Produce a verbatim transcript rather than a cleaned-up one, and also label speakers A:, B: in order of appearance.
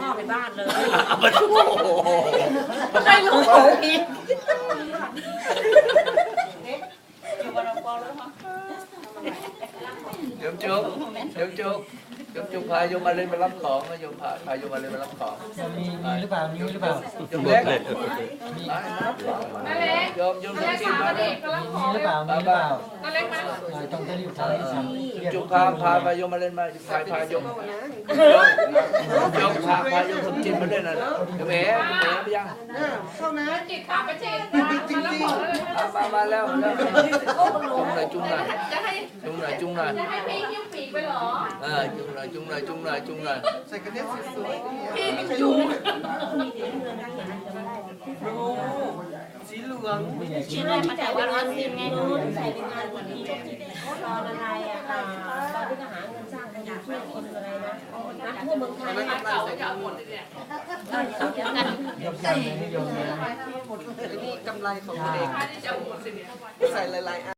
A: อไปบ้านเลย
B: มันโอ้โห
A: ไม่รู้โอ้ยอยู่บนกองแล้วมั้ง
B: เดี๋ยวจุ๊บเดี๋ยวจุ๊บเดี๋ยวจุ๊บพาโยมมาเลยมารับของนะโยมพาพาโยมมาเลยมารับของ
C: มีมีหรือเปล่ามีหรือเปล่า
B: โยมเล็กมารับของโยมโยมต้องกินมาเลย
C: มีหรือเปล่ามีหรือเปล่า
A: ก็เล็กมั้ง
C: ต้องรีบทำ
B: จุ๊บพาพาพาโยมมาเล่นมาพาพาโยมโยมพาพาโยมสมจิตมาเล่นน่ะโยมเอ๋โยมเอ๋ไปยัง
A: จิตขาไปจิตมาแล้วบอกเลย
B: มามาแล้วแล้วจุ๊บหน่อยจุ๊บหน่อย
A: จะให้
B: จุ๊บหน่อยจุ๊บหน่อย
A: จะให้พี่ยิ้มปีกไปหรอ
B: เออจุ๊บหน่อยจุ๊บหน่อยจุ๊บหน่อยจุ๊บหน่อย
A: พี่มีจูง
D: ชิ้นแรกมาแต่ว่าร้อนซิมไงใส่เป็นงานกว่านี้ตอนอะไรอ่ะตอนที่จะหาเงินสร้างกันอยู่ช่วยคนอะไรนะนักทั่วเมืองไทยนะ
A: เก่าจะเอาหมดเลยเนี่ย
D: เดียวกัน
C: ยกยันไม่ยกนะ
E: นี่กำไรของตัวเอง
A: ค่าที่จะเอาหมดสิเนี่ย
E: ใส่หลายๆ